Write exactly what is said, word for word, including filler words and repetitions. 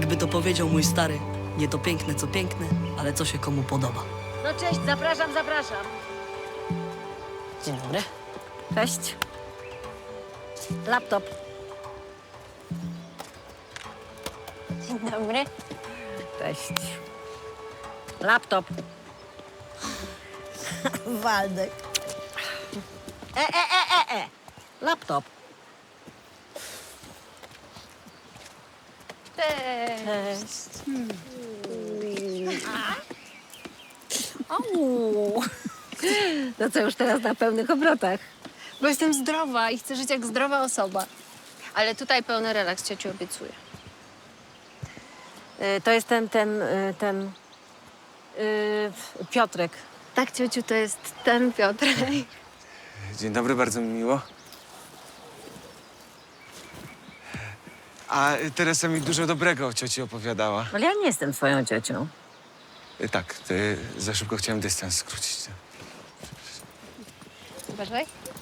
Jakby to powiedział mój stary, nie to piękne, co piękne, ale co się komu podoba. No cześć, zapraszam, zapraszam. Dzień dobry. Cześć. Laptop. Dzień dobry. Cześć. Laptop. Waldek. E, e, e, e, e. Laptop. Cześć. Au. No co, już teraz na pełnych obrotach. Bo jestem zdrowa i chcę żyć jak zdrowa osoba. Ale tutaj pełny relaks, ciociu, obiecuję. Y, To jest ten, ten, y, ten... y, Piotrek. Tak, ciociu, to jest ten Piotrek. Dzień dobry, bardzo mi miło. A Teresa mi dużo dobrego o cioci opowiadała. Ale ja nie jestem twoją ciocią. Y, Tak, ty za szybko chciałem dystans skrócić. Uważaj.